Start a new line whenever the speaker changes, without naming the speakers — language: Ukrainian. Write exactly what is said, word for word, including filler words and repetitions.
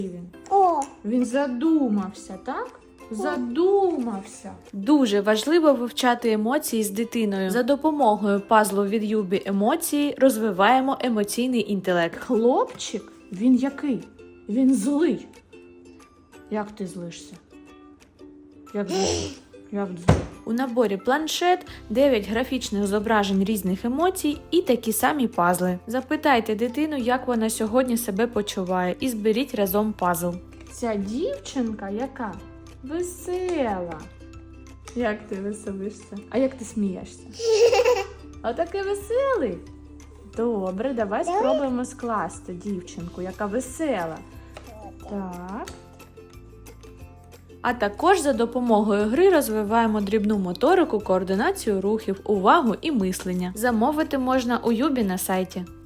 він?
О,
Він задумався, так? Задумався.
Дуже важливо вивчати емоції з дитиною. За допомогою пазлу від Юбі емоції розвиваємо емоційний інтелект.
Хлопчик? Він який? Він злий. Як ти злишся? Як злишся? Як злий?
У наборі планшет дев'ять графічних зображень різних емоцій і такі самі пазли. Запитайте дитину, як вона сьогодні себе почуває, і зберіть разом пазл.
Ця дівчинка яка? Весела. Як ти веселишся? А як ти смієшся? А такий веселий. Добре, давай спробуємо скласти дівчинку, яка весела. Так.
А також за допомогою гри розвиваємо дрібну моторику, координацію рухів, увагу і мислення. Замовити можна у Юбі на сайті.